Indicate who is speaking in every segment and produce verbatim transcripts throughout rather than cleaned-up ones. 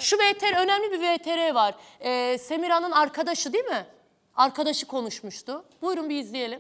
Speaker 1: Şu V T R, önemli bir V T R var. Ee, Semira'nın arkadaşı değil mi? Arkadaşı konuşmuştu. Buyurun bir izleyelim.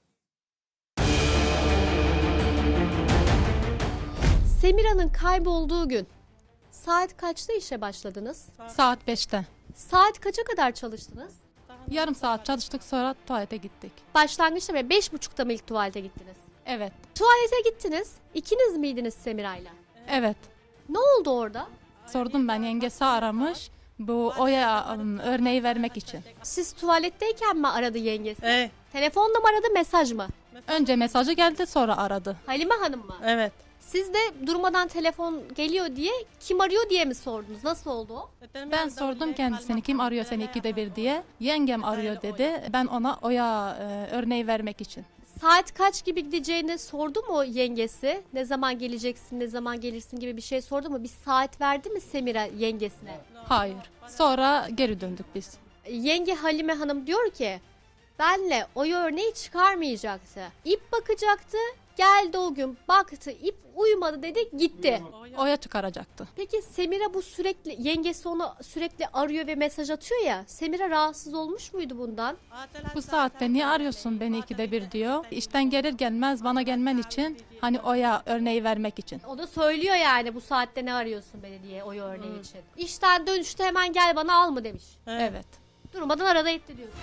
Speaker 2: Semira'nın kaybolduğu gün saat kaçta işe başladınız?
Speaker 3: Saat beşte.
Speaker 2: Saat kaça kadar çalıştınız?
Speaker 3: Yarım saat çalıştık, sonra tuvalete gittik.
Speaker 2: Başlangıçta ve beş buçukta mı ilk tuvalete gittiniz?
Speaker 3: Evet.
Speaker 2: Tuvalete gittiniz. İkiniz miydiniz Semira'yla?
Speaker 3: Evet.
Speaker 2: Ne oldu orada?
Speaker 3: Sordum ben, yengesi aramış. Bu Oya um, örneği vermek için.
Speaker 2: Siz tuvaletteyken mi aradı yengesi?
Speaker 4: Evet.
Speaker 2: Telefonla mı aradı, mesaj mı?
Speaker 3: Önce mesajı geldi, sonra aradı.
Speaker 2: Halime Hanım mı?
Speaker 4: Evet.
Speaker 2: Siz de durmadan telefon geliyor diye kim arıyor diye mi sordunuz? Nasıl oldu o?
Speaker 3: Ben sordum kendisini, kim arıyor seni ikide bir diye. Yengem arıyor dedi. Ben ona Oya e, örneği vermek için.
Speaker 2: Saat kaç gibi gideceğini sordu mu yengesi? Ne zaman geleceksin, ne zaman gelirsin gibi bir şey sordu mu? Bir saat verdi mi Semira yengesine?
Speaker 3: Hayır. Sonra geri döndük biz.
Speaker 2: Yenge Halime Hanım diyor ki benle o örneği çıkarmayacaktı. İp bakacaktı. Geldi o gün baktı, ip uyumadı dedi, gitti.
Speaker 3: Oya çıkaracaktı.
Speaker 2: Peki Semira bu sürekli, yengesi onu sürekli arıyor ve mesaj atıyor ya. Semira rahatsız olmuş muydu bundan?
Speaker 3: Bu saatte niye arıyorsun beni ikide bir diyor. İşten gelir gelmez bana gelmen için, hani Oya örneği vermek için.
Speaker 2: O da söylüyor yani bu saatte ne arıyorsun beni diye o örneği için. İşten dönüşte hemen gel bana al mı demiş.
Speaker 3: Evet.
Speaker 2: Durmadan arada etti diyorsun.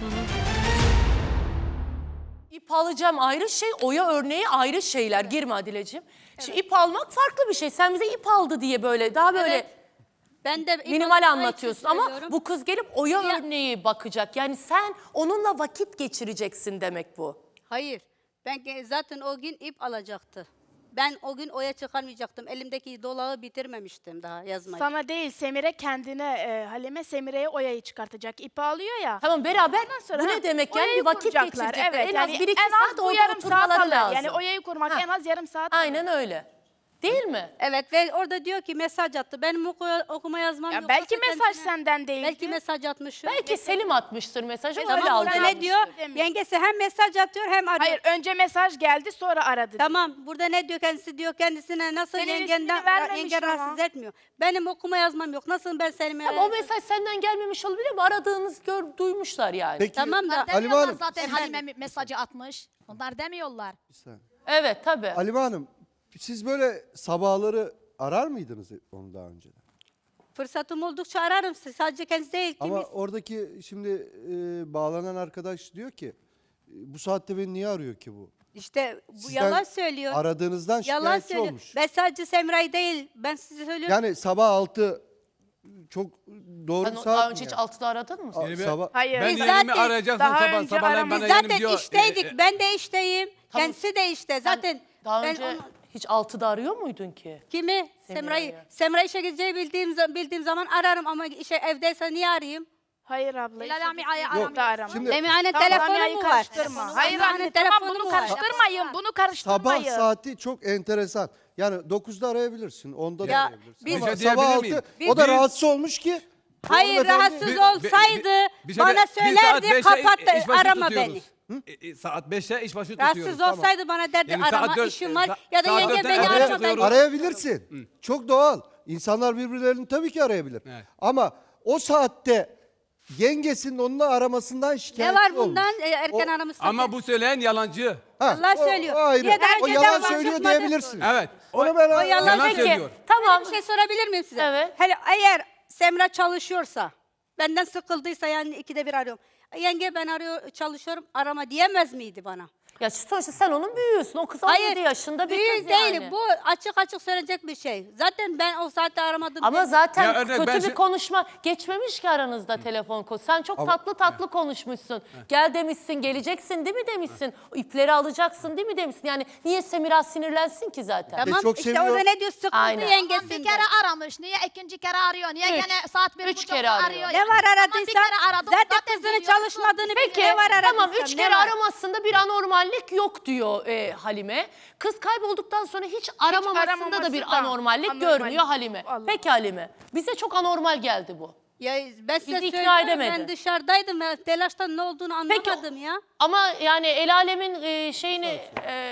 Speaker 1: İp alacağım ayrı şey, Oya örneği ayrı şeyler. Girme Adileciğim. Şimdi ip almak farklı bir şey. Sen bize ip aldı diye böyle daha böyle
Speaker 5: Evet. Ben de
Speaker 1: minimal anlatıyorsun ama
Speaker 5: söylüyorum.
Speaker 1: bu kız gelip Oya
Speaker 5: Ya-
Speaker 1: örneği bakacak. Yani sen onunla vakit geçireceksin demek bu.
Speaker 5: Hayır. Ben ge- zaten o gün ip alacaktı. Ben o gün oya çıkarmayacaktım. Elimdeki dolağı bitirmemiştim daha yazmayı.
Speaker 6: Sana değil, Semire kendine, e, Halime Semire'ye Oya'yı çıkartacak. İpi alıyor ya.
Speaker 1: Tamam beraber
Speaker 6: Sonra,
Speaker 1: bu
Speaker 6: ha,
Speaker 1: ne demek yani
Speaker 6: Oya'yı
Speaker 1: bir vakit
Speaker 6: kuracaklar.
Speaker 1: geçirecekler.
Speaker 6: Evet,
Speaker 1: en
Speaker 6: yani
Speaker 1: az bir iki
Speaker 6: en az
Speaker 1: saat
Speaker 6: bu
Speaker 1: orada
Speaker 6: yarım saat
Speaker 1: oturmaları
Speaker 6: alır.
Speaker 1: lazım.
Speaker 6: Yani Oya'yı kurmak
Speaker 1: Ha.
Speaker 6: en az yarım saat alır.
Speaker 1: Aynen öyle. Değil mi?
Speaker 5: Evet ve orada diyor ki mesaj attı. Benim oku okuma yazmam
Speaker 6: Ya
Speaker 5: yok.
Speaker 6: belki
Speaker 5: Nasıl
Speaker 6: mesaj
Speaker 5: kendisine-
Speaker 6: senden değildi.
Speaker 5: Belki mesaj atmışım.
Speaker 1: Belki Selim atmıştır mesajı
Speaker 6: E
Speaker 1: öyle
Speaker 6: tamam,
Speaker 1: aldı.
Speaker 5: Burada
Speaker 6: algılamış.
Speaker 5: ne diyor?
Speaker 6: Demiş.
Speaker 5: Yengesi hem mesaj atıyor hem arıyor.
Speaker 6: Hayır, önce mesaj geldi, sonra aradı.
Speaker 5: Tamam burada ne diyor kendisi diyor kendisine nasıl
Speaker 6: Senin
Speaker 5: yengenden
Speaker 6: ismini vermemiş
Speaker 5: yenge
Speaker 6: ama.
Speaker 5: rahatsız etmiyor. Benim okuma yazmam yok. Nasıl ben Selim'e...
Speaker 1: Ama o mesaj senden gelmemiş olabilir mi? Aradığınız gör, duymuşlar yani.
Speaker 7: Peki,
Speaker 5: Tamam da...
Speaker 7: Halime Hanım,
Speaker 8: Zaten Halime mesajı atmış. Onlar demiyorlar.
Speaker 1: Evet tabii.
Speaker 7: Halime Hanım, siz böyle sabahları arar mıydınız onu daha önce?
Speaker 5: Fırsatım oldukça ararım sizi. Sadece kendisi değil.
Speaker 7: Ama
Speaker 5: Kim
Speaker 7: oradaki şimdi e, bağlanan arkadaş diyor ki, e, bu saatte beni niye arıyor ki bu?
Speaker 5: İşte bu
Speaker 7: Sizden
Speaker 5: yalan söylüyor.
Speaker 7: Aradığınızdan
Speaker 5: Yalan
Speaker 7: şikayetçi
Speaker 5: söylüyor.
Speaker 7: olmuş.
Speaker 5: Ben sadece Semra'yı değil. Ben size söylüyorum.
Speaker 7: Yani sabah altı çok doğru
Speaker 1: Sen o-
Speaker 7: saat
Speaker 1: daha
Speaker 7: mi
Speaker 1: önce hiç
Speaker 7: yani?
Speaker 1: altıda aradın mı?
Speaker 7: A-
Speaker 9: Yani ben-
Speaker 7: sabah,
Speaker 6: Hayır.
Speaker 9: Ben
Speaker 5: Biz
Speaker 9: yeğenimi
Speaker 5: zaten
Speaker 9: arayacaksın
Speaker 6: daha
Speaker 9: sabah
Speaker 6: önce
Speaker 9: sabahleyin
Speaker 5: Biz
Speaker 9: bana
Speaker 5: zaten
Speaker 9: yeğenim diyor.
Speaker 5: işteydik.
Speaker 9: e, e,
Speaker 5: Ben de işteyim.
Speaker 1: Tamam.
Speaker 5: Kendisi de işte. Zaten
Speaker 1: Daha
Speaker 5: ben
Speaker 1: önce
Speaker 5: onu-
Speaker 1: hiç altıda arıyor muydun ki?
Speaker 5: kimi?
Speaker 1: Semra'yı.
Speaker 5: Semra'yı. Semra işe gideceği bildiğim, za- bildiğim zaman ararım ama işe evdeyse niye arayayım?
Speaker 6: Hayır abla.
Speaker 8: Hilal
Speaker 6: işte
Speaker 8: abi,
Speaker 6: gittiği
Speaker 8: ay-
Speaker 6: gün
Speaker 8: aramıyor.
Speaker 6: de arama.
Speaker 7: Şimdi-
Speaker 5: Lemiane
Speaker 6: Tamam,
Speaker 5: telefonu
Speaker 6: Lamia'yı
Speaker 5: mu var?
Speaker 6: karıştırma. Hayır
Speaker 5: Lamiane
Speaker 6: anne, tamam
Speaker 5: telefonu
Speaker 6: bunu
Speaker 5: mu var?
Speaker 6: karıştırmayın. Bunu karıştırmayın.
Speaker 7: sabah saati çok enteresan. Yani dokuzda arayabilirsin, onda da
Speaker 5: Ya,
Speaker 7: arayabilirsin.
Speaker 5: biz-
Speaker 7: Ama
Speaker 9: Bir şey
Speaker 7: sabah
Speaker 9: diyebilir miyim?
Speaker 7: altı, o da
Speaker 9: Biz-
Speaker 7: rahatsız olmuş ki.
Speaker 5: Hayır
Speaker 7: hanımefendi-
Speaker 5: rahatsız
Speaker 9: Bir-
Speaker 5: olsaydı
Speaker 9: bir- bir şey de-
Speaker 5: bana
Speaker 9: bir saat
Speaker 5: söylerdi
Speaker 9: beşe
Speaker 5: kapat da
Speaker 9: iş başı
Speaker 5: arama
Speaker 9: tutuyoruz.
Speaker 5: beni.
Speaker 9: E, e, saat beşte iş başı tutuyoruz.
Speaker 5: Rahatsız olsaydı bana derdi
Speaker 9: Yani saat
Speaker 5: arama
Speaker 9: dört-
Speaker 5: işim var
Speaker 9: sa-
Speaker 5: ya da
Speaker 9: saat
Speaker 5: yenge
Speaker 9: dörtte
Speaker 5: beni
Speaker 9: araya
Speaker 5: arama ben.
Speaker 9: çıkıyoruz.
Speaker 7: Arayabilirsin. Çok doğal. İnsanlar birbirlerini tabii ki arayabilir.
Speaker 9: Evet.
Speaker 7: Ama o saatte yengesinin onunla aramasından
Speaker 5: Ne
Speaker 7: şikayetçi
Speaker 5: var
Speaker 7: olmuş.
Speaker 5: bundan e, erken
Speaker 7: O-
Speaker 5: aramışsın.
Speaker 9: Ama bu söyleyen yalancı.
Speaker 7: Ha,
Speaker 5: Allah
Speaker 7: o-
Speaker 5: söylüyor.
Speaker 7: O, ayrı.
Speaker 5: Niye daha
Speaker 7: O
Speaker 5: önceden
Speaker 7: yalan
Speaker 5: var,
Speaker 7: söylüyor
Speaker 5: çıkmadı?
Speaker 7: diyebilirsin.
Speaker 9: Evet.
Speaker 7: Onu ben
Speaker 5: O yalan
Speaker 9: Yalan
Speaker 5: peki.
Speaker 9: söylüyor.
Speaker 1: Tamam.
Speaker 5: Bir şey sorabilir miyim size?
Speaker 1: Evet.
Speaker 5: Hele eğer Semra çalışıyorsa, benden sıkıldıysa yani ikide bir arıyorum. Yenge ben arıyor çalışıyorum arama diyemez miydi bana?
Speaker 1: Ya sonuçta sen onun büyüğüsün. O kız on yedi yaşında bir
Speaker 5: büyük
Speaker 1: kız
Speaker 5: değil.
Speaker 1: yani.
Speaker 5: Bu açık açık söylenecek bir şey. Zaten ben o saatte aramadım.
Speaker 1: Ama
Speaker 5: dedim.
Speaker 1: zaten
Speaker 9: Ya örnek
Speaker 1: kötü
Speaker 9: ben
Speaker 1: bir
Speaker 9: şey-
Speaker 1: konuşma geçmemiş ki aranızda telefon konusu. Sen çok tatlı tatlı konuşmuşsun. Gel demişsin, geleceksin değil mi demişsin? O ipleri alacaksın değil mi demişsin? Yani niye Semira sinirlensin ki zaten?
Speaker 5: Tamam
Speaker 7: çok
Speaker 5: işte
Speaker 7: seviyor.
Speaker 5: orada ne diyor sıkıldı
Speaker 1: Aynen.
Speaker 5: yengesinden.
Speaker 8: Bir kere aramış. Niye ikinci kere arıyor? Niye
Speaker 1: Üç.
Speaker 8: gene saat bir
Speaker 1: Üç
Speaker 8: buçukta
Speaker 1: kere arıyor.
Speaker 8: arıyor?
Speaker 5: Ne
Speaker 8: yani?
Speaker 5: var
Speaker 8: Tamam,
Speaker 5: aradıysa
Speaker 8: bir kere aradım.
Speaker 5: zaten,
Speaker 8: Zaten
Speaker 5: kızının
Speaker 8: biliyorsun.
Speaker 5: çalışmadığını
Speaker 1: Peki
Speaker 5: biliyor. Ne var aradıysa.
Speaker 1: tamam üç
Speaker 5: ne
Speaker 1: kere
Speaker 5: var?
Speaker 1: aramasında bir anormallik yok diyor e, Halime. Kız kaybolduktan sonra hiç aramamasında da
Speaker 6: aramaması
Speaker 1: bir
Speaker 6: da
Speaker 1: anormallik
Speaker 6: anormal.
Speaker 1: görmüyor Halime.
Speaker 6: Allah.
Speaker 1: Peki Halime bize çok anormal geldi bu.
Speaker 5: Ya ben size
Speaker 1: Bizi ikna
Speaker 5: söylüyorum,
Speaker 1: edemedi.
Speaker 5: ben dışarıdaydım ya telaştan ne olduğunu
Speaker 1: Peki
Speaker 5: anlamadım ya.
Speaker 1: ama yani el alemin e, şeyini e,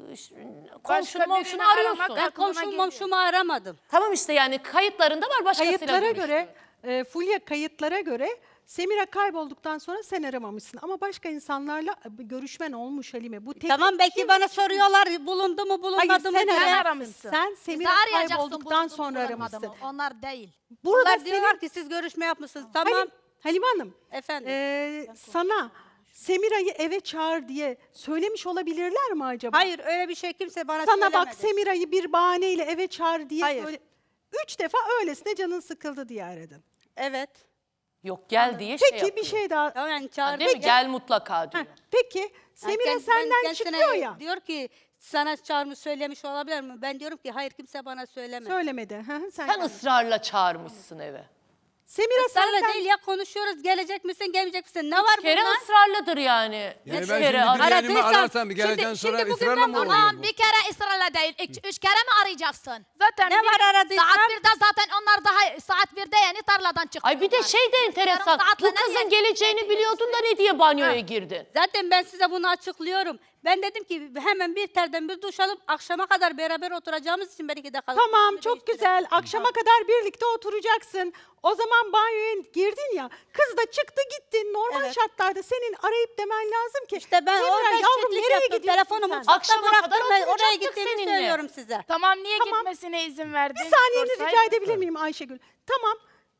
Speaker 1: komşunu
Speaker 6: birini
Speaker 1: momşunu
Speaker 6: aramak
Speaker 1: arıyorsun.
Speaker 6: aklına
Speaker 5: Ben komşum
Speaker 6: geliyor.
Speaker 5: momşumu aramadım.
Speaker 1: Tamam işte yani kayıtlarında var başkasıyla
Speaker 4: Kayıtlara
Speaker 1: görüştü.
Speaker 4: göre, e, Fulya kayıtlara göre Semira kaybolduktan sonra sen aramamışsın. Ama başka insanlarla e, görüşmen olmuş Halime. Bu tek
Speaker 5: Tamam belki
Speaker 4: kim-
Speaker 5: bana soruyorlar bulundu mu
Speaker 4: Hayır
Speaker 5: bulunmadı mı
Speaker 4: sen
Speaker 5: diye.
Speaker 6: aramışsın.
Speaker 4: aramışsın. Sen
Speaker 8: Biz de
Speaker 4: Semira
Speaker 8: arayacaksın
Speaker 4: kaybolduktan
Speaker 8: bulundu mu,
Speaker 4: sonra
Speaker 8: bulunmadı
Speaker 4: aramışsın.
Speaker 8: mı? Onlar değil.
Speaker 4: Burada
Speaker 5: Bunlar
Speaker 4: senin
Speaker 5: diyorlar ki siz görüşme yapmışsınız. Tamam
Speaker 4: Halim, Halime Hanım,
Speaker 5: efendim.
Speaker 4: e, sana Semira'yı eve çağır diye söylemiş olabilirler mi acaba?
Speaker 5: Hayır öyle bir şey kimse bana
Speaker 4: Sana
Speaker 5: söylemedi.
Speaker 4: bak Semira'yı bir bahaneyle eve çağır diye
Speaker 5: Hayır.
Speaker 4: söyle. Üç defa öylesine canın sıkıldı diye aradın.
Speaker 5: Evet.
Speaker 1: Yok gel diye şey
Speaker 4: Peki
Speaker 1: yapıyor.
Speaker 4: bir şey daha.
Speaker 5: Yani
Speaker 1: Ha,
Speaker 5: çağırdı.
Speaker 1: değil mi? Gel mutlaka diyor.
Speaker 4: Heh, peki
Speaker 5: Yani
Speaker 4: Semira
Speaker 5: kendisi- ben
Speaker 4: senden
Speaker 5: kendisine
Speaker 4: çıkıyor ya.
Speaker 5: Diyor ki sana çağırmış söylemiş olabilir mi? Ben diyorum ki hayır kimse bana söylemedi.
Speaker 4: Söylemedi. Hı hı, sen
Speaker 1: Sen ısrarla çağırmışsın eve.
Speaker 4: Semira
Speaker 5: Israrla
Speaker 4: senden
Speaker 5: değil ya konuşuyoruz. Gelecek misin gelmeyecek misin? Ne var
Speaker 1: Bir kere
Speaker 5: bunlar?
Speaker 1: ısrarlıdır yani.
Speaker 9: Yani
Speaker 1: Üç
Speaker 9: ben
Speaker 1: kere
Speaker 9: şimdi
Speaker 1: ara-
Speaker 9: bir yerimi
Speaker 5: Aradıysam-
Speaker 9: ararsam bir gelecekten
Speaker 5: Şimdi-
Speaker 9: sonra
Speaker 5: şimdi bugün
Speaker 9: ısrarla
Speaker 5: ben
Speaker 9: mı
Speaker 5: bunu-
Speaker 9: oluyor
Speaker 8: Tamam
Speaker 9: bu?
Speaker 8: bir kere ısrarla değil. Üç, üç kere mi arayacaksın?
Speaker 6: Zaten
Speaker 5: Ne
Speaker 6: bir-
Speaker 5: var aradıysam?
Speaker 8: Saat birde zaten onlar daha saat birde yeni tarladan çıktılar.
Speaker 1: Ay bir de şey de enteresan.
Speaker 8: Yarım saatle
Speaker 1: Bu
Speaker 8: ne
Speaker 1: kızın
Speaker 8: diye-
Speaker 1: geleceğini biliyordun da ne diye banyoya girdin?
Speaker 5: Zaten ben size bunu açıklıyorum. Ben dedim ki hemen bir telden bir duş alıp akşama kadar beraber oturacağımız için belki de kalıp.
Speaker 4: tamam çok güzel akşama kadar birlikte oturacaksın. O zaman banyoya girdin ya kız da çıktı gitti. Normal
Speaker 5: Evet.
Speaker 4: şartlarda senin arayıp demen lazım ki.
Speaker 5: İşte ben
Speaker 4: Semira,
Speaker 5: orada
Speaker 4: yavrum
Speaker 5: eşitlik
Speaker 4: nereye
Speaker 5: yaptım.
Speaker 4: gidiyorsun
Speaker 5: Telefonumu
Speaker 4: sen?
Speaker 5: mutfakta
Speaker 1: Akşama
Speaker 5: bıraktım.
Speaker 1: kadar
Speaker 5: Ben oraya
Speaker 1: oturacaktık
Speaker 5: gittiğimi
Speaker 1: seninle.
Speaker 5: söylüyorum size.
Speaker 6: Tamam niye
Speaker 4: Tamam.
Speaker 6: gitmesine izin verdin?
Speaker 4: Bir saniyeni
Speaker 6: Sorsaydın.
Speaker 4: rica edebilir miyim Ayşegül? Tamam.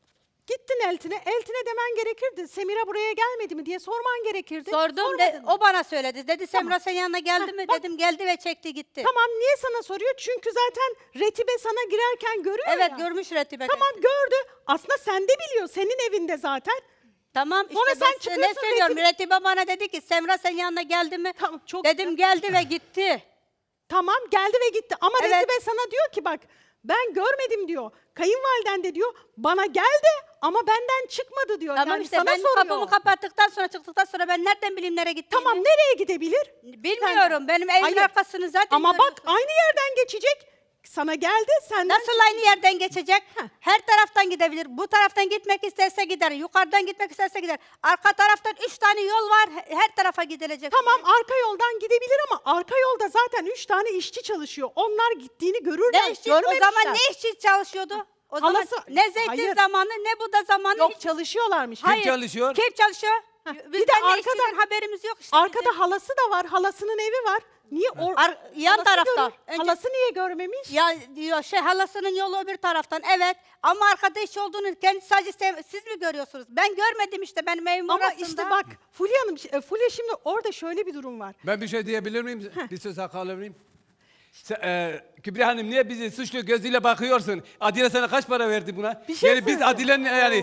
Speaker 4: Gittin Eltin'e. Eltin'e demen gerekirdi. Semira buraya gelmedi mi diye sorman gerekirdi.
Speaker 5: Sordum
Speaker 4: Sormadın
Speaker 5: de,
Speaker 4: mı?
Speaker 5: o bana söyledi. Dedi Semra senin yanına geldi
Speaker 4: Heh,
Speaker 5: mi?
Speaker 4: bak.
Speaker 5: Dedim geldi ve çekti gitti.
Speaker 4: Tamam niye sana soruyor? Çünkü zaten Retibe sana girerken görüyor
Speaker 5: Evet
Speaker 4: ya.
Speaker 5: görmüş Retibe.
Speaker 4: Tamam gördü. Aslında sen de biliyor. Senin evinde zaten.
Speaker 5: Tamam işte
Speaker 4: Sonra
Speaker 5: ben
Speaker 4: sen
Speaker 5: size ne
Speaker 4: çıkıyorsun,
Speaker 5: söylüyorum?
Speaker 4: Retibe-
Speaker 5: Retibe bana dedi ki Semra senin yanına geldi mi?
Speaker 4: Tamam, çok
Speaker 5: Dedim geldi ve gitti.
Speaker 4: Tamam geldi ve gitti. Ama
Speaker 5: Evet.
Speaker 4: Retibe sana diyor ki bak ben görmedim diyor. Kayınvaliden de diyor bana geldi ama benden çıkmadı diyor.
Speaker 5: Tamam
Speaker 4: yani
Speaker 5: işte
Speaker 4: sana
Speaker 5: ben
Speaker 4: soruyor.
Speaker 5: kapımı kapattıktan sonra çıktıktan sonra ben nereden bileyim nereye gittiğini?
Speaker 4: Tamam nereye gidebilir?
Speaker 5: Bilmiyorum. Benim evimin
Speaker 4: Hayır.
Speaker 5: arkasını zaten
Speaker 4: Ama bak
Speaker 5: görüyorsun.
Speaker 4: aynı yerden geçecek. Sana geldi senden
Speaker 5: Nasıl aynı yerden geçecek?
Speaker 4: Heh.
Speaker 5: Her taraftan gidebilir. Bu taraftan gitmek isterse gider. Yukarıdan gitmek isterse gider. Arka taraftan üç tane yol var. He- Her tarafa gidilecek.
Speaker 4: Tamam arka yoldan gidebilir ama arka yolda zaten üç tane işçi çalışıyor. Onlar gittiğini görürler.
Speaker 5: Ne işçi, o
Speaker 4: görmemişler.
Speaker 5: zaman ne işçi çalışıyordu? O zaman
Speaker 4: Halası-
Speaker 5: ne zeytin
Speaker 4: Hayır.
Speaker 5: zamanı ne bu da zamanı.
Speaker 4: Yok
Speaker 5: hiç-
Speaker 4: çalışıyorlarmış.
Speaker 5: Hayır.
Speaker 9: çalışıyor?
Speaker 5: Kim çalışıyor?
Speaker 4: Heh,
Speaker 5: Bizden
Speaker 4: bir de
Speaker 5: ne
Speaker 4: arkada-
Speaker 5: işçiden haberimiz yok işte.
Speaker 4: Arkada
Speaker 5: bizim.
Speaker 4: halası da var. Halasının evi var. Niye or
Speaker 5: Ar- yan
Speaker 4: halası
Speaker 5: tarafta.
Speaker 4: görür-
Speaker 5: Önce-
Speaker 4: Halası niye görmemiş?
Speaker 5: Ya diyor şey halasının yolu öbür taraftan. Evet ama arkada iş olduğunu kendisi sadece sev- siz mi görüyorsunuz? Ben görmedim işte benim evim
Speaker 4: Ama
Speaker 5: orasında.
Speaker 4: işte bak Fulya Hanım, e, Fulya şimdi orada şöyle bir durum var.
Speaker 9: Ben bir şey diyebilir miyim? Bir söz hakkı alabilir miyim? Sen, e, Kübra Hanım niye bizi suçlu gözüyle bakıyorsun? Adile sana kaç para verdi buna?
Speaker 4: Bir şey
Speaker 9: yani biz
Speaker 4: söyleyeyim.
Speaker 9: Adile'nin yani...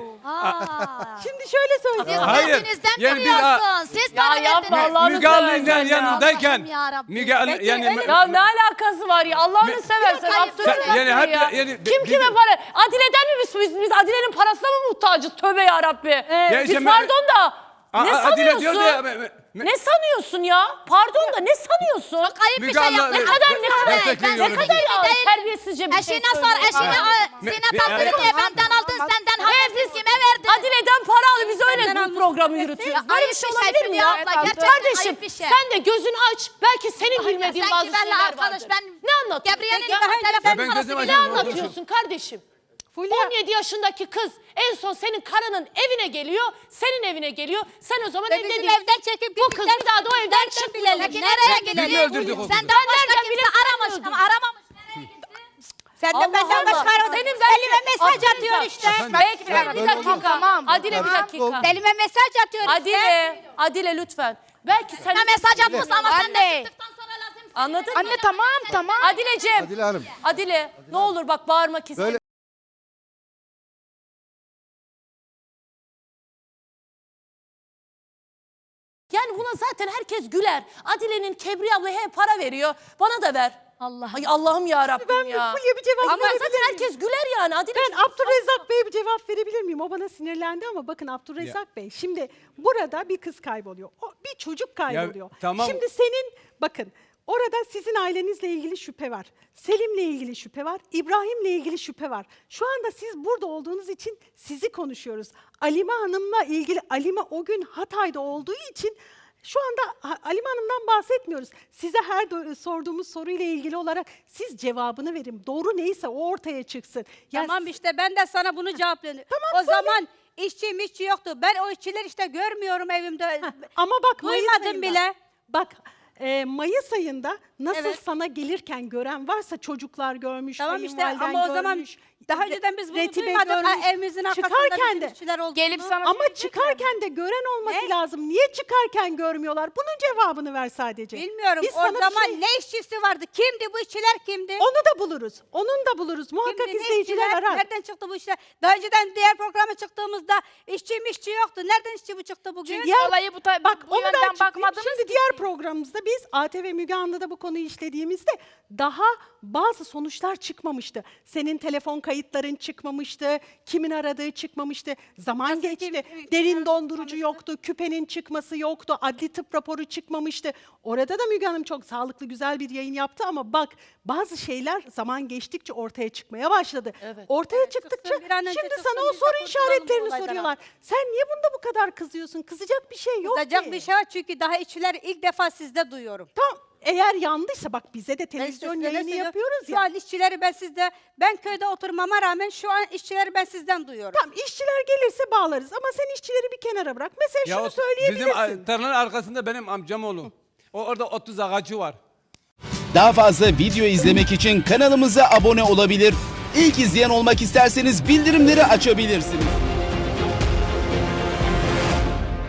Speaker 8: Aa.
Speaker 4: Şimdi şöyle söyleyeyim.
Speaker 8: Siz
Speaker 9: Hayır,
Speaker 8: kendinizden
Speaker 9: yani biz-
Speaker 8: biliyorsun. Siz
Speaker 1: Ya
Speaker 8: bana
Speaker 1: yapma
Speaker 8: verdiniz.
Speaker 1: Allah'ını
Speaker 9: Müge Anlı'nın
Speaker 1: seversen ya.
Speaker 9: yanındayken...
Speaker 8: Allah'ım yarabbim.
Speaker 9: Müge Anlı
Speaker 5: Peki,
Speaker 9: yani...
Speaker 5: öyle-
Speaker 1: Ya ne alakası var ya Allah'ını
Speaker 9: Me-
Speaker 1: seversen
Speaker 8: Yok,
Speaker 1: Abdülhamid
Speaker 8: hayır,
Speaker 9: yani hep-
Speaker 1: ya.
Speaker 9: yani
Speaker 1: Kim
Speaker 9: bi-
Speaker 1: kime
Speaker 9: bizim-
Speaker 1: para? Adile'den mi biz, biz, biz Adile'nin parasına mı muhtacız? Tövbe yarabbi.
Speaker 9: Ya
Speaker 1: biz
Speaker 9: işte me-
Speaker 1: pardon da
Speaker 9: A-
Speaker 1: ne
Speaker 9: A- Adile
Speaker 1: sanıyorsun?
Speaker 9: diyordu ya, me- me- me-
Speaker 1: Ne sanıyorsun ya? Pardon da ne sanıyorsun?
Speaker 8: Çok ayıp bir
Speaker 9: Müge
Speaker 8: şey
Speaker 9: Anlı-
Speaker 8: yaptın.
Speaker 1: Ne kadar ne kadar
Speaker 9: Destekliyorum
Speaker 1: ne
Speaker 9: bizi.
Speaker 1: kadar ya,
Speaker 8: Değil.
Speaker 1: terbiyesizce bir şey
Speaker 8: Eşine sor,
Speaker 1: söylüyorsun.
Speaker 8: eşine
Speaker 9: Me-
Speaker 8: Zeynep
Speaker 9: me-
Speaker 8: aldın
Speaker 9: evet.
Speaker 8: diye benden aldın, senden habersiz kime verdin?
Speaker 1: Adile'den para al biz öyle
Speaker 5: Senden
Speaker 1: bu
Speaker 5: almış
Speaker 1: programı
Speaker 5: olabilirsin.
Speaker 1: yürütüyoruz.
Speaker 8: Ya
Speaker 1: Böyle bir
Speaker 8: ayıp
Speaker 1: şey
Speaker 8: bir şey
Speaker 1: olabilir mi
Speaker 8: Fulya
Speaker 1: ya?
Speaker 8: abla, gerçekten
Speaker 1: Kardeşim
Speaker 8: ayıp bir şey.
Speaker 1: sen de gözünü aç. Belki senin
Speaker 8: Ay,
Speaker 1: bilmediğin
Speaker 8: sen
Speaker 1: bazı
Speaker 8: güvenli
Speaker 1: şeyler
Speaker 8: arkadaş,
Speaker 1: vardır.
Speaker 8: ben-
Speaker 1: Ne anlatıyorsun?
Speaker 8: Gabriel'in
Speaker 1: Ya,
Speaker 8: telefon
Speaker 9: Ya ben
Speaker 8: numarası
Speaker 9: gözüm
Speaker 8: bile
Speaker 1: ne
Speaker 9: açıyorum.
Speaker 1: anlatıyorsun kardeşim?
Speaker 4: Fulya,
Speaker 1: on yedi yaşındaki kız en son senin karının evine geliyor, senin evine geliyor. Sen o zaman
Speaker 5: Ve
Speaker 1: evde
Speaker 5: bizim
Speaker 1: değilsin.
Speaker 5: evden çekip
Speaker 1: Bu kız bir daha da o evden çıkmıyor.
Speaker 8: Peki nereye gitti?
Speaker 9: Birini öldürdük o kızı.
Speaker 8: Senden başka
Speaker 1: Nereden
Speaker 8: kimse
Speaker 1: bilirsin
Speaker 8: aramış
Speaker 1: öldürdün?
Speaker 8: ama aramamış. Nereye gitti?
Speaker 5: Sen de
Speaker 1: Allah
Speaker 5: benden
Speaker 1: Allah.
Speaker 5: başka aradın.
Speaker 1: Senin
Speaker 5: Elime mesaj
Speaker 1: Abdülhamid
Speaker 5: atıyor
Speaker 1: bak.
Speaker 5: işte.
Speaker 9: Efendim?
Speaker 1: Belki bir,
Speaker 7: Ben-
Speaker 1: bir
Speaker 7: ben
Speaker 1: dakika.
Speaker 7: oldum.
Speaker 6: Tamam.
Speaker 1: Adile bir
Speaker 7: Ben-
Speaker 1: dakika.
Speaker 5: Elime mesaj atıyor işte.
Speaker 1: Adile, Adile lütfen. Belki sen...
Speaker 8: Sana mesaj atmış ama sen de
Speaker 6: Anne.
Speaker 8: çıktıktan sonra lazım.
Speaker 1: Anladın mı?
Speaker 6: Anne tamam tamam.
Speaker 1: Adileciğim.
Speaker 7: Adile Hanım.
Speaker 1: Adile, ne olur bak bağırmak istemiyorum.
Speaker 7: Böyle
Speaker 1: Yani buna zaten herkes güler. Adile'nin Kebriye abla he para veriyor. Bana da ver.
Speaker 8: Allah.
Speaker 1: Ay Allah'ım ya Rabbim
Speaker 4: ben bir
Speaker 1: ya.
Speaker 4: Fulya bir cevap
Speaker 1: Ama
Speaker 4: verebilir
Speaker 1: zaten
Speaker 4: miyim?
Speaker 1: herkes güler yani. Adile
Speaker 4: Ben Abdurrezzak Bey'e bir cevap verebilir miyim? O bana sinirlendi ama bakın Abdurrezzak Bey şimdi burada bir kız kayboluyor. O, bir çocuk kayboluyor.
Speaker 9: tamam.
Speaker 4: Şimdi senin bakın orada sizin ailenizle ilgili şüphe var. Selim'le ilgili şüphe var. İbrahim'le ilgili şüphe var. Şu anda siz burada olduğunuz için sizi konuşuyoruz. Alime Hanım'la ilgili Alime o gün Hatay'da olduğu için Şu anda Ha- Halime Hanım'dan bahsetmiyoruz. Size her do- sorduğumuz soruyla ilgili olarak siz cevabını verin. Doğru neyse o ortaya çıksın. Ya
Speaker 5: Tamam işte ben de sana bunu cevaplıyorum.
Speaker 4: Tamam,
Speaker 5: o
Speaker 4: söyle.
Speaker 5: zaman işçi mişçi yoktu. Ben o işçiler işte görmüyorum evimde.
Speaker 4: Ama bak Mayıs
Speaker 5: Duymadım
Speaker 4: ayında,
Speaker 5: bile.
Speaker 4: Bak e, Mayıs ayında nasıl
Speaker 5: Evet.
Speaker 4: sana gelirken gören varsa çocuklar görmüş,
Speaker 5: Tamam işte
Speaker 4: kayınvaliden
Speaker 5: ama o zaman
Speaker 4: görmüş,
Speaker 5: daha
Speaker 4: Re-
Speaker 5: önceden biz bunu
Speaker 4: Retibe
Speaker 5: duymadık. Ha,
Speaker 4: görmüş.
Speaker 5: evimizin arkasında
Speaker 4: Çıkarken
Speaker 5: bizim
Speaker 4: de
Speaker 5: işçiler olduğunu.
Speaker 6: Gelip sana
Speaker 4: ama
Speaker 6: söyleyecekler.
Speaker 4: çıkarken de gören olması
Speaker 5: Ne?
Speaker 4: lazım. Niye çıkarken görmüyorlar? Bunun cevabını ver sadece.
Speaker 5: Bilmiyorum.
Speaker 4: Biz
Speaker 5: o
Speaker 4: sana bir
Speaker 5: zaman
Speaker 4: şey-
Speaker 5: ne işçisi vardı? Kimdi bu işçiler kimdi?
Speaker 4: Onu da buluruz. Onun da buluruz. Muhakkak
Speaker 5: Kimdi, ne
Speaker 4: izleyiciler
Speaker 5: işçiler?
Speaker 4: arar.
Speaker 5: Nereden çıktı bu işler? Daha önceden diğer programa çıktığımızda işçi mişçi yoktu. Nereden işçi bu çıktı bugün?
Speaker 6: Çünkü olayı bu, ta-
Speaker 4: Bak
Speaker 6: bu
Speaker 4: onu da
Speaker 6: yönden
Speaker 4: açıklayayım.
Speaker 6: bakmadınız
Speaker 4: Şimdi
Speaker 6: ki
Speaker 4: diğer
Speaker 6: siz.
Speaker 4: programımızda biz A T V Müge Anlı'da bu konuyu işlediğimizde daha bazı sonuçlar çıkmamıştı. Senin telefon kayıtların çıkmamıştı, kimin aradığı çıkmamıştı. Zaman
Speaker 5: Nasıl
Speaker 4: geçti,
Speaker 5: kim-
Speaker 4: derin dondurucu yoktu, küpenin çıkması yoktu, adli tıp raporu çıkmamıştı. Orada da Müge Hanım çok sağlıklı, güzel bir yayın yaptı ama bak bazı şeyler zaman geçtikçe ortaya çıkmaya başladı.
Speaker 1: Evet.
Speaker 4: Ortaya çıktıkça
Speaker 5: çıksın, bir an önce
Speaker 4: şimdi
Speaker 5: çıksın,
Speaker 4: sana o
Speaker 5: biz de
Speaker 4: soru
Speaker 5: kurtulalım bu
Speaker 4: işaretlerini
Speaker 5: olaydan
Speaker 4: soruyorlar. Sen niye bunda bu kadar kızıyorsun? Kızacak bir şey yok
Speaker 5: Kızacak
Speaker 4: ki.
Speaker 5: bir şey var çünkü daha işçileri ilk defa sizde duyuyorum.
Speaker 4: Tamam. Eğer yanlışsa bak bize de
Speaker 5: Ben
Speaker 4: televizyon
Speaker 5: size
Speaker 4: yayını
Speaker 5: söylüyorum.
Speaker 4: yapıyoruz
Speaker 5: Şu
Speaker 4: ya.
Speaker 5: an işçileri ben sizde, ben köyde oturmama rağmen şu an işçileri ben sizden duyuyorum.
Speaker 4: Tamam işçiler gelirse bağlarız ama sen işçileri bir kenara bırak. Mesela
Speaker 9: Ya
Speaker 4: şunu
Speaker 9: o-
Speaker 4: söyleyebilirsin.
Speaker 9: bizim a- tarlanın arkasında benim amcam oğlu. O orada otuz ağacı var.
Speaker 10: Daha fazla video izlemek için kanalımıza abone olabilir. İlk izleyen olmak isterseniz bildirimleri açabilirsiniz.